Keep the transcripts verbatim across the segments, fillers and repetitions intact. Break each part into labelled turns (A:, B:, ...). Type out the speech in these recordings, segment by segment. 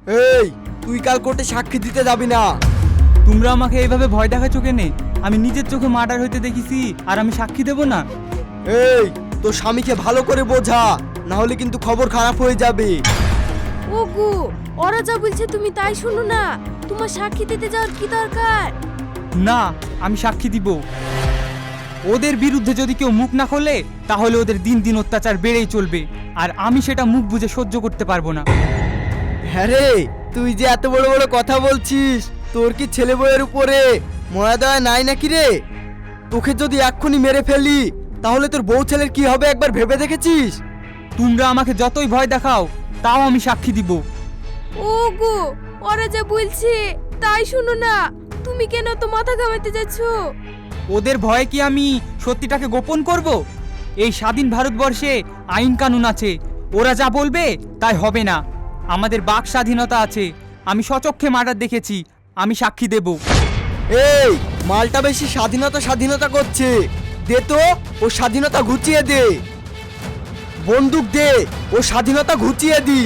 A: এই তুই কাল কোর্টে সাক্ষী দিতে যাবি না।
B: তোমরা আমাকে এইভাবে ভয় দেখাচ্ছ কেনে? আমি নিজের চোখে মার্ডার হইতে দেখেছি আর আমি সাক্ষী দেব না?
A: এই তোর স্বামীকে ভালো করে বোঝা, না হলে কিন্তু খবর খারাপ হয়ে যাবে।
C: ওগো, ওরা যা বলছে তুমি তাই শোনো না। তোমার সাক্ষী দিতে যাওয়ার কি দরকার?
B: না, আমি সাক্ষী দিব। ওদের বিরুদ্ধে যদি কেউ মুখ না খোলে তাহলে ওদের দিন দিন অত্যাচার বেড়েই চলবে, আর আমি সেটা মুখ বুজে সহ্য করতে পারবো না।
A: হ্যাঁ রে, তুই যে এত বড় বড় কথা বলছিস, তোর কি ছেলে বউয়ের উপরে ময়া দয়া নাই নাকি রে? তোকে যদি এক্ষুনি মেরে ফেলি তাহলে তোর বউ ছেলের কি হবে একবার ভেবে দেখেছিস?
B: তোমরা আমাকে যতই ভয় দেখাও তাও আমি সাক্ষী দিব।
C: ওগো, ওরা যা বলছে তাই শোনো না। তুমি কেন তো মাথা ঘামাতে যাচ্ছ?
B: ওদের ভয়ে কি আমি সত্যিটাকে গোপন করব? এই স্বাধীন ভারতবর্ষে আইন কানুন আছে, ওরা যা বলবে তাই হবে না। আমাদের বাক স্বাধীনতা আছে। আমি সচক্ষে মার্ডার দেখেছি, আমি সাক্ষী দেব।
A: এই মালটা বেশি স্বাধীনতা স্বাধীনতা করছে, দে তো ও স্বাধীনতা ঘুচিয়ে দে। বন্দুক দে, ও স্বাধীনতা ঘুচিয়ে দি।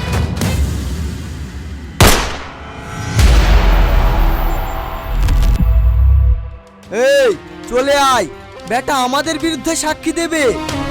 A: এই চলে আয়, বেটা আমাদের বিরুদ্ধে সাক্ষী দেবে।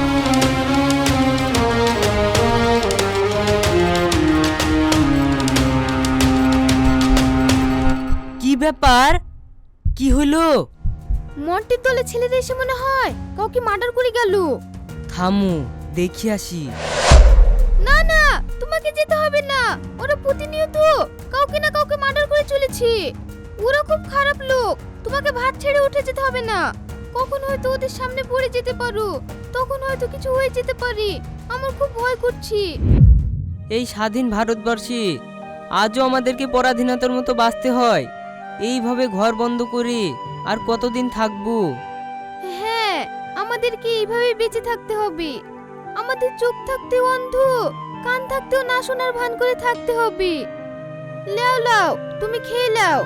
D: কি ব্যাপার? কি হলো?
C: মন্টির দলে ছেলেদের এসে মনে হয় কাউকে মার্ডার করে গেল।
D: থামু, দেখি আসি।
C: না না, তোমাকে যেতে হবে না। ওরা প্রতিনিয়ত কাউকে না কাউকে মার্ডার করে চলেছে। ওরা খুব খারাপ লোক। তোমাকে ভাত ছেড়ে উঠে যেতে হবে না। কখন হয়তো ওদের সামনে পড়ে যেতে পারো, তখন হয়তো কিছু হয়ে যেতে পারে। আমার খুব ভয় করছে।
D: এই স্বাধীন ভারতবর্ষে আজও আমাদেরকে পরাধীনতার মতো বাঁচতে হয়। এইভাবে ঘর বন্ধ করে আর কতদিন থাকবো?
C: হ্যাঁ, আমাদেরকে এইভাবে বেঁচে থাকতে হবে। আমাদের চোখ থাকতেও অন্ধ, কান থাকতেও না শোনার ভান করে থাকতে হবে। লাও লাও, তুমি খেয়ে লাও।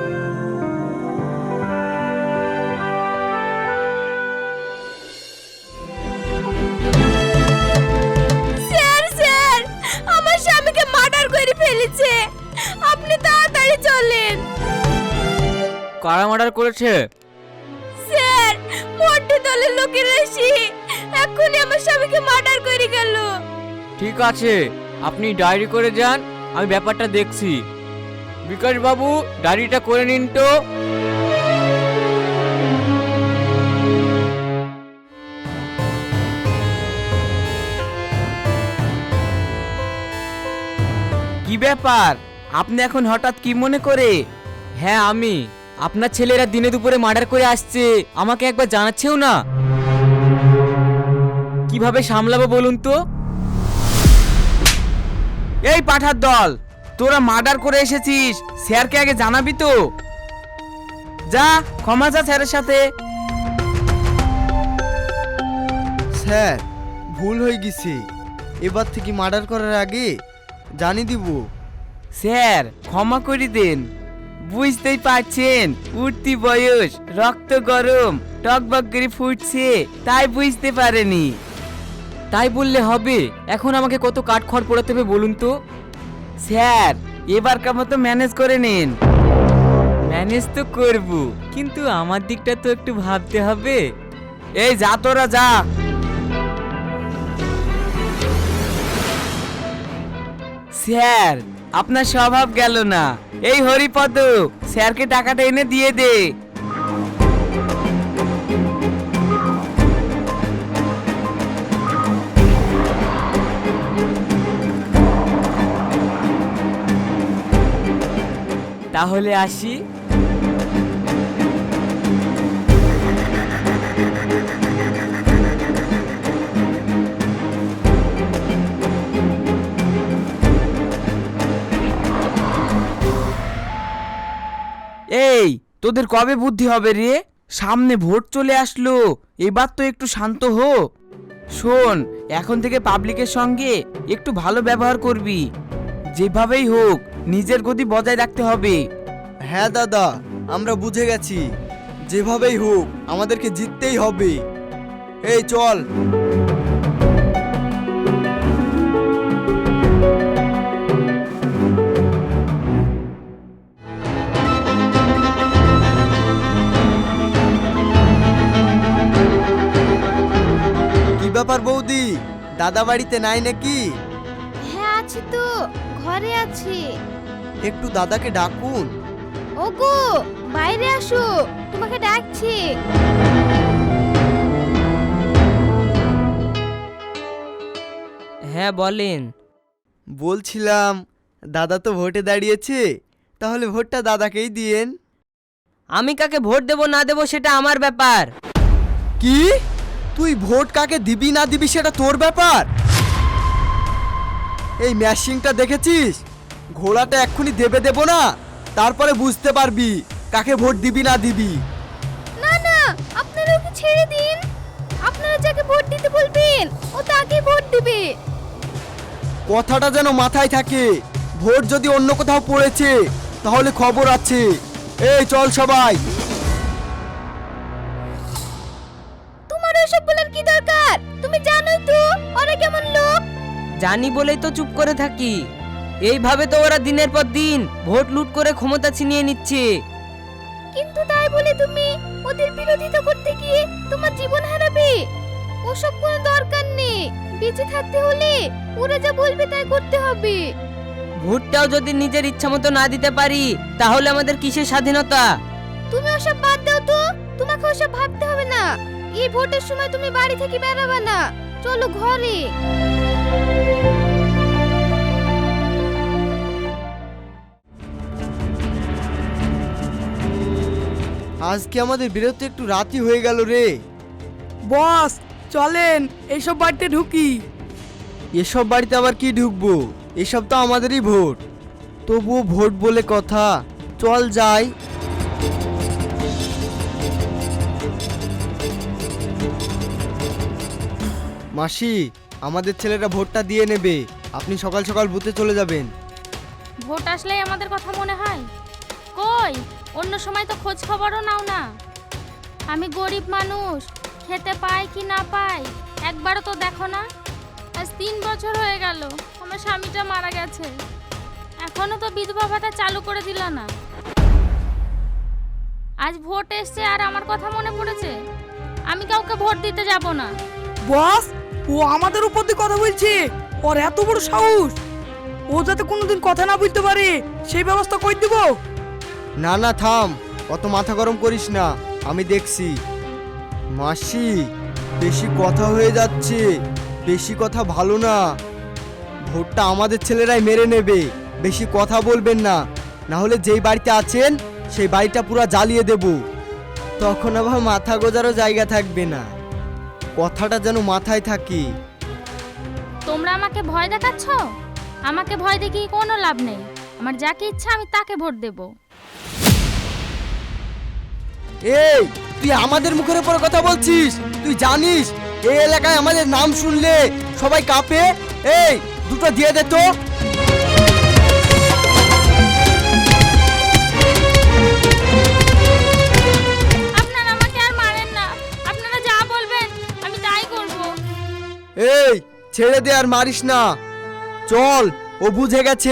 C: স্যার স্যার, আমার স্বামীকে মার্ডার করে ফেলেছে। আপনি তাড়াতাড়ি চলেন।
D: কারা মার্ডার করেছে?
C: স্যার, মন্টি দলের লোকেরা এসে এক্ষুনি আমার স্বামীকে মার্ডার করে গেল।
D: ঠিক আছে, আপনি ডায়েরি করে যান, আমি ব্যাপারটা দেখছি। বিকাশ বাবু, ডায়েরিটা করে নিন তো। কি ব্যাপার, আপনি এখন হঠাৎ কি মনে করে? হ্যাঁ আমি। আপনার ছেলেরা দিনে দুপুরে মার্ডার করে আসছে, আমাকে একবার জানাচ্ছেও না। কিভাবে সামলাবো বলুন তো? এই পাঠার দল, তোরা মার্ডার করে এসেছিস, স্যারকে আগে জানাবি তো। যা ক্ষমা চা স্যারের সাথে।
A: স্যার, ভুল হয়ে গেছে। এবার থেকে মার্ডার করার আগে জানি দিব।
D: স্যার ক্ষমা করে দেন। বুঝতেই পারছেন, উঠতি বয়স, রক্ত গরম, টকবক করে ফুটছে, তাই বুঝতে পারেনি। তাই বললে হবে? এখন আমাকে কত কাঠখড় পোড়াতে হবে বলুন তো? স্যার এবারকার মতো ম্যানেজ করে নিন। ম্যানেজ তো করব, কিন্তু আমার দিকটা তো একটু ভাবতে হবে। এই যা তোরা যা। স্যার আপনার স্বভাব গেল না। এই হরিপদ, স্যারকে টাকাটা এনে দিয়ে দে। তাহলে আসি। এই তোদের কবে বুদ্ধি হবে রে? সামনে ভোট চলে আসলো, এবার তো একটু শান্ত হো। শোন, এখন থেকে পাবলিকের সঙ্গে একটু ভালো ব্যবহার করবি। যেভাবেই হোক নিজের গতি বজায় রাখতে হবে।
A: হ্যাঁ দাদা, আমরা বুঝে গেছি। যেভাবেই হোক আমাদেরকে জিততেই হবে। এই চল। দাদা বাড়িতে নাই নাকি?
C: হ্যাঁ আছি তো, ঘরে আছি।
A: একটু দাদাকে ডাকুন।
C: ওগো বাইরে আসো, তোমাকে ডাকছি।
E: হ্যাঁ বলেন।
A: বলছিলাম দাদা তো ভোটে দাঁড়িয়েছে, তাহলে ভোটটা দাদাকেই দিয়েন।
E: আমি কাকে ভোট দেব না দেব সেটা আমার ব্যাপার।
A: কি? তুই ভোট কাকে দিবি না দিবি সেটা তোর ব্যাপার? এই ম্যাশিংটা দেখেছিস? ঘোড়াটা এক্ষুনি দেবে দেব না, তারপরে বুঝতে পারবি কাকে ভোট দিবি না দিবি।
C: না না, আপনারা ওকে ছেড়ে দিন। আপনারা যাকে ভোট দিতে বলবেন ও তাকেই ভোট দিবে।
A: কথাটা যেন মাথায় থাকে। ভোট যদি অন্য কোথাও পড়েছে তাহলে খবর আছে। এই চল সবাই।
C: তোমার ওসব বলার কি দরকার? তুমি জানোই তো ওরা কেমন লোক।
E: জানি বলেই তো চুপ করে থাকি। এইভাবে তো ওরা দিনের পর দিন ভোট লুট করে ক্ষমতা ছিনিয়ে নিচ্ছে।
C: কিন্তু তাই বলে তুমি ওদের বিরোধিতা করতে গিয়ে তোমার জীবন হারাবে? ওসব কোনো দরকার নেই। বেঁচে থাকতে হলে ওরা যা বলবে তাই করতে হবে।
E: ভোটটাও যদি নিজের ইচ্ছা মতো না দিতে পারি তাহলে আমাদের কিসের স্বাধীনতা?
C: তুমি ওসব বাদ দাও তো, তোমাকে ওসব ভাবতে হবে না। এই ভোটের সময় তুমি বাড়ি থেকে বেরাবে না। চলো ঘরে।
A: আজকে আমাদের বেরোতে একটু রাতই হয়ে গেল রে।
F: বস চলেন এইসব বাড়িতে ঢুকি।
A: এসব বাড়িতে আবার কি ঢুকবো? এসব তো আমাদেরই ভোট। তবুও ভোট বলে কথা, চল যাই। মাসি, আমাদের ছেলেরা ভোটটা দিয়ে নেবে। আপনি সকাল সকাল বুথে চলে যাবেন।
G: ভোট আসলেই আমাদের কথা মনে হয়? কই, অন্য সময় তো খোঁজ খবরও নাও না। আমি গরিব মানুষ, খেতে পাই কি না পাই একবারও তো দেখো না। আজ তিন বছর হয়ে গেল আমার স্বামীটা মারা গেছে, এখনো তো বিধবা ভাতা চালু করে দিল না। আজ ভোট এসছে আর আমার কথা মনে পড়েছে। আমি কাউকে ভোট দিতে যাব না।
F: বস ও আমাদের উপর দিয়ে কথা বলছে। ওর এত বড় সাহস! ও যাতে কোনোদিন কথা না বলতে পারে সেই ব্যবস্থা করে দিব।
A: না না থাম, অত মাথা গরম করিস না, আমি দেখছি। মাসি, বেশি কথা হয়ে যাচ্ছে। বেশি কথা ভালো না। ভোটটা আমাদের ছেলেরাই মেরে নেবে। বেশি কথা বলবেন না, না হলে যেই বাড়িতে আছেন সেই বাড়িটা পুরো জ্বালিয়ে দেব। তখন আবার মাথা গোজারও জায়গা থাকবে না। কথাটা যেন মাথায় থাকে।
G: তোমরা আমাকে ভয় দেখাচ্ছ? আমাকে ভয় দেখিয়ে কোনো লাভ নেই। আমার যাকে ইচ্ছা আমি তাকে ভোট দেব।
A: এই, তুই আমাদের মুখের উপর কথা বলছিস? তুই জানিস এই এলাকায় আমাদের নাম শুনলে সবাই কাঁপে? এই দুটো দিয়ে দে তো।
G: আপনারা আমাকে আর মারেন না। আপনারা যা বলবেন আমি তাই করব।
A: এই ছেড়ে দে, আর মারিস না। চল, ও বুঝে গেছে।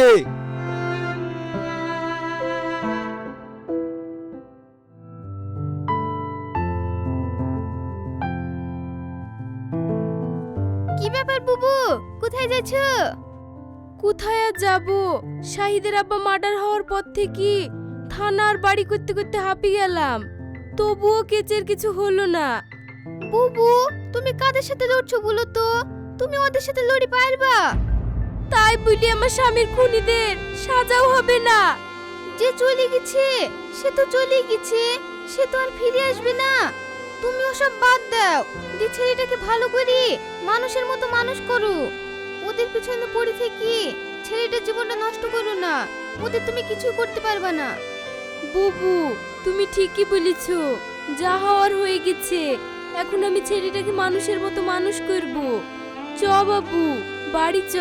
C: কি ব্যাপার বুবু, কোথায় যাচ্ছ?
H: কোথায় আর যাব? শাহিদের আব্বা মার্ডার হওয়ার পর থেকে থানার বাড়ি করতে করতে হাঁপিয়ে গেলাম, তবুও কেচের কিছু হলো না।
C: বুবু, তুমি কাদের সাথে লড়ছো বলো তো? তুমি ওদের সাথে লড়ি পারবা?
H: তাই বলি আমার স্বামীর খুনিদের সাজাও হবে না।
C: যে চলে গেছে সে তো চলে গেছে, সে তো আর ফিরে আসবে না। তুমি ওসব বাদ দাও। যে ছেলেটাকে ভালো করে মানুষের মতো মানুষ করো। ওদের পিছনে পড়ে থেকে ছেলেটার জীবনটা নষ্ট করো না। ওদের তুমি কিছু করতে পারবে না।
H: বুবু তুমি ঠিকই বলেছ, যা হওয়ার হয়ে গেছে। এখন আমি ছেলেটাকে মানুষের মতো মানুষ করব। চ বাবু, বাড়ি চ।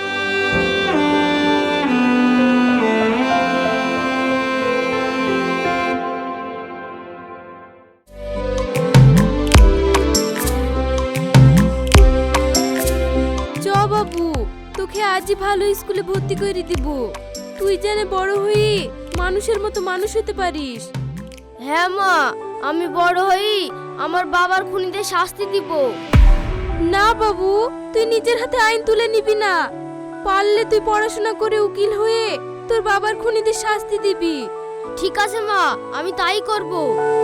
H: চ বাবু, তোকে আজই ভালো স্কুলে ভর্তি করে দিব। তুই যেন বড় হয়ে মানুষের মতো মানুষ হতে পারিস।
C: হ্যাঁ মা, আমি বড় হই আমার বাবার খুনিদের শাস্তি দিব।
H: না বাবু, তুই নিজের হাতে আইন তুলে নিবি না। পারলে তুই পড়াশোনা করে উকিল হয়ে তোর বাবার খুনিদের শাস্তি দিবি।
C: ঠিক আছে মা, আমি তাই করব।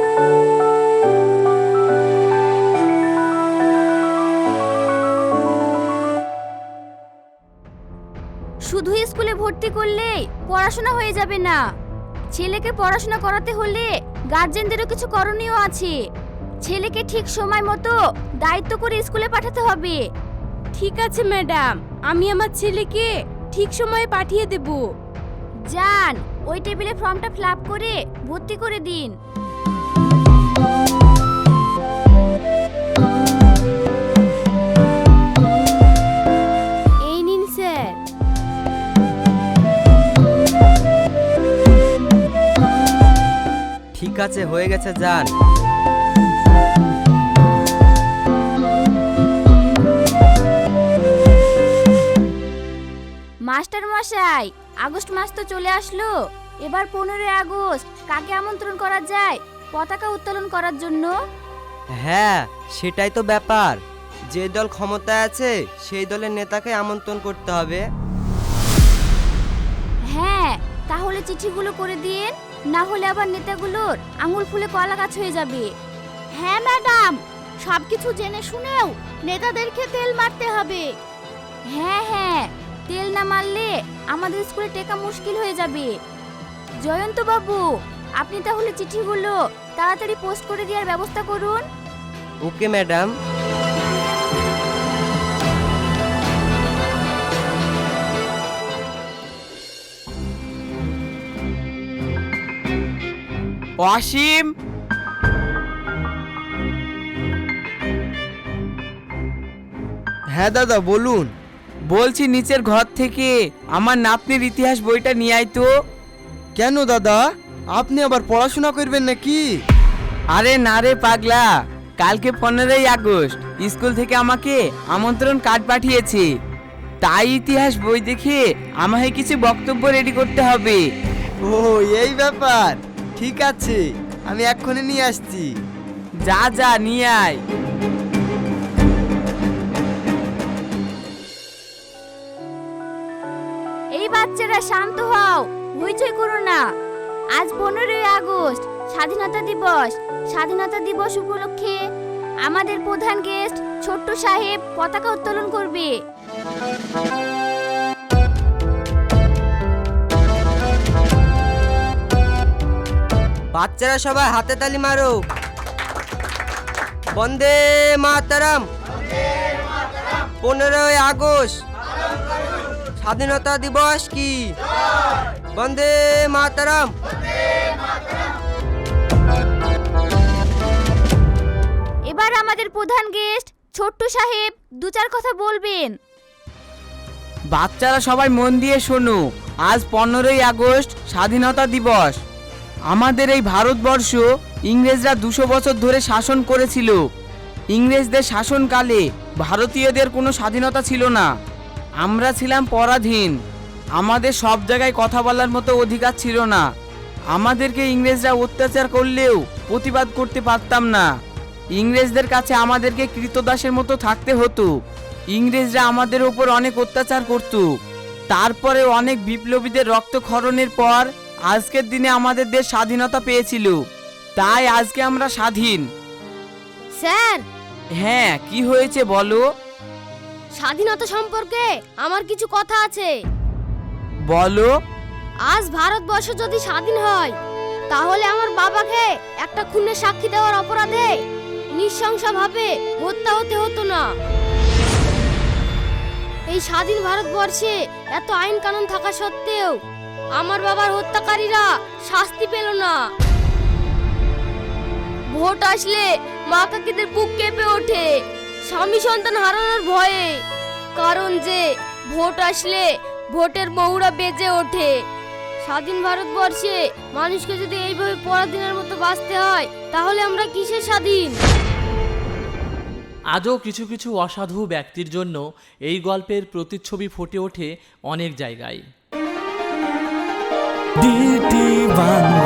C: শুধু স্কুলে ভর্তি করলে পড়াশোনা হয়ে যাবে না। ছেলেকে পড়াশোনা করাতে হলে গার্জেনদেরও কিছু করণীয় আছে। ছেলেকে ঠিক সময় মতো দায়িত্ব করে স্কুলে পাঠাতে হবে।
H: ঠিক আছে ম্যাডাম, আমি আমার ছেলেকে ঠিক সময়ে পাঠিয়ে দেব।
C: যান, ওই টেবিলে ফর্মটা ফিল আপ করে ভর্তি করে দিন। এই নিন স্যার।
E: ঠিক আছে, হয়ে গেছে, যান।
C: মাস্টার মশাই, আগস্ট মাস তো চলে আসলো। এবার পনেরোই আগস্ট কাকে আমন্ত্রণ করা যায় পতাকা উত্তোলন করার জন্য?
E: হ্যাঁ, সেটাই তো ব্যাপার। যে দল ক্ষমতায় আছে সেই দলের নেতাকে আমন্ত্রণ করতে হবে।
C: হ্যাঁ, তাহলে চিঠিগুলো করে দিন, না হলে আবার নেতাগুলোর আঙুল ফুলে কলা গাছ হয়ে যাবে। হ্যাঁ ম্যাডাম, সবকিছু জেনে শুনেও নেতাদেরকে তেল মারতে হবে। হ্যাঁ হ্যাঁ, তেল না মারলে আমাদের স্কুলে টেকা মুশকিল হয়ে যাবে। জয়ন্ত বাবু, আপনি তাহলে চিঠিগুলো তাড়াতাড়ি পোস্ট করে দেওয়ার ব্যবস্থা করুন।
E: Okay madam.
D: অসীম,
A: হ্যাঁ দাদা বলুন।
D: বলছি নিচের ঘর থেকে আমার নাতনির ইতিহাস বইটা নিয়ে আয় তো।
A: কেন দাদা, আপনি আবার পড়াশোনা করবেন নাকি?
D: আরে না রে পাগলা, কালকে পনেরোই আগস্ট স্কুল থেকে আমাকে আমন্ত্রণ কার্ড পাঠিয়েছে। তাই ইতিহাস বই দেখে আমাকে কিছু বক্তব্য রেডি করতে হবে।
A: ও এই ব্যাপার, ঠিক আছে, আমি এক্ষুনি নিয়ে আসছি।
D: যা যা নিয়ে আয়।
C: এই বাচ্চারা শান্ত হও, হইচই করো না। আজ পনেরোই আগস্ট স্বাধীনতা দিবস। স্বাধীনতা দিবস উপলক্ষে আমাদের প্রধান গেস্ট ছোট্ট সাহেব পতাকা উত্তোলন করবে।
E: বাচ্চারা সবাই হাতে তালি মারো। বন্দে মাতরম। পনেরোই আগস্ট স্বাধীনতা দিবস কি? বন্দে মাতরম।
C: এবার আমাদের প্রধান গেস্ট ছোট্ট সাহেব দু চার কথা বলবেন।
D: বাচ্চারা সবাই মন দিয়ে শোনো। আজ পনেরোই আগস্ট স্বাধীনতা দিবস। আমাদের এই ভারতবর্ষ ইংরেজরা দুশো বছর ধরে শাসন করেছিল। ইংরেজদের শাসনকালে ভারতীয়দের কোনো স্বাধীনতা ছিল না। আমরা ছিলাম পরাধীন। আমাদের সব জায়গায় কথা বলার মতো অধিকার ছিল না। আমাদেরকে ইংরেজরা অত্যাচার করলেও প্রতিবাদ করতে পারতাম না। ইংরেজদের কাছে আমাদেরকে কৃতদাসের মতো থাকতে হতো। ইংরেজরা আমাদের উপর অনেক অত্যাচার করত। তারপরে অনেক বিপ্লবীদের রক্তক্ষরণের পর আজকের দিনে আমাদের দেশ স্বাধীনতা পেয়েছিল। তাই আজকে আমরা স্বাধীন।
C: স্যার,
D: হ্যাঁ, কি হয়েছে বলো?
C: স্বাধীনতা সম্পর্কে আমার কিছু কথা আছে।
D: বলো।
C: আজ ভারতবর্ষ যদি স্বাধীন হয় তাহলে আমার বাবাকে একটা খুনের সাক্ষী দেওয়ার অপরাধে নৃশংসভাবে হত্যা হতে হতো না। এই স্বাধীন ভারতবর্ষে এত আইন কানুন থাকা সত্ত্বেও আমার বাবার হত্যাকারীরা শাস্তি পেল না। ভোট আসলে মা কাকিদের বুক কেঁপে ওঠে স্বামী সন্তান হারানোর ভয়ে। কারণ যে ভোট আসলে ভোটের মহুরা বেজে ওঠে। স্বাধীন ভারতবর্ষে মানুষকে যদি এইভাবে পরাধীনের মতো বাঁচতে হয় তাহলে আমরা কিসের স্বাধীন?
I: আজও কিছু কিছু অসাধু ব্যক্তির জন্য এই গল্পের প্রতিচ্ছবি ফুটে ওঠে অনেক জায়গায়।
J: ডিটি বাংলা।